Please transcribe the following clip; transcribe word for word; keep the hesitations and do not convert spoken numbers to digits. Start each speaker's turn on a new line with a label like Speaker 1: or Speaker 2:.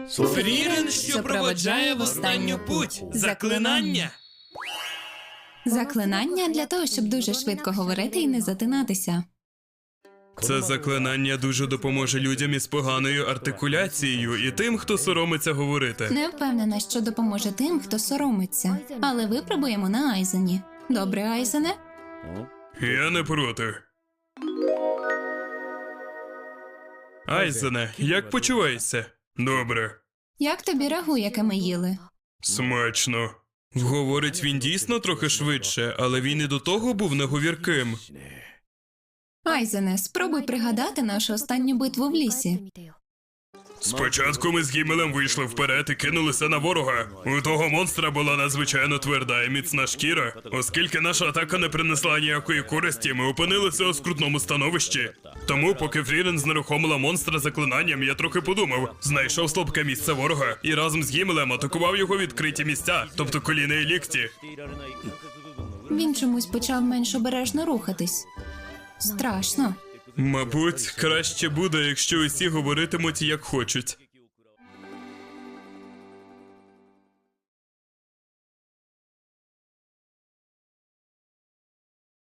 Speaker 1: Фрірен, що проводжає в останню путь. Заклинання.
Speaker 2: Заклинання для того, щоб дуже швидко говорити і не затинатися.
Speaker 1: Це заклинання дуже допоможе людям із поганою артикуляцією і тим, хто соромиться говорити.
Speaker 2: Не впевнена, що допоможе тим, хто соромиться. Але випробуємо на Айзені. Добре, Айзене?
Speaker 1: Я не проти. Айзене, як почуваєшся? Добре.
Speaker 2: Як тобі рагу, яке ми їли?
Speaker 1: Смачно. Говорить він дійсно трохи швидше, але він і до того був неговірким.
Speaker 2: Айзене, спробуй пригадати нашу останню битву в лісі.
Speaker 1: Спочатку ми з Гімелем вийшли вперед і кинулися на ворога. У того монстра була надзвичайно тверда і міцна шкіра. Оскільки наша атака не принесла ніякої користі, ми опинилися у скрутному становищі. Тому, поки Фрірен знерухомила монстра заклинанням, я трохи подумав, знайшов слабке місце ворога і разом з Гімелем атакував його відкриті місця, тобто коліна і лікті.
Speaker 2: Він чомусь почав менш обережно рухатись. Страшно.
Speaker 1: Мабуть, краще буде, якщо усі говоритимуть як хочуть.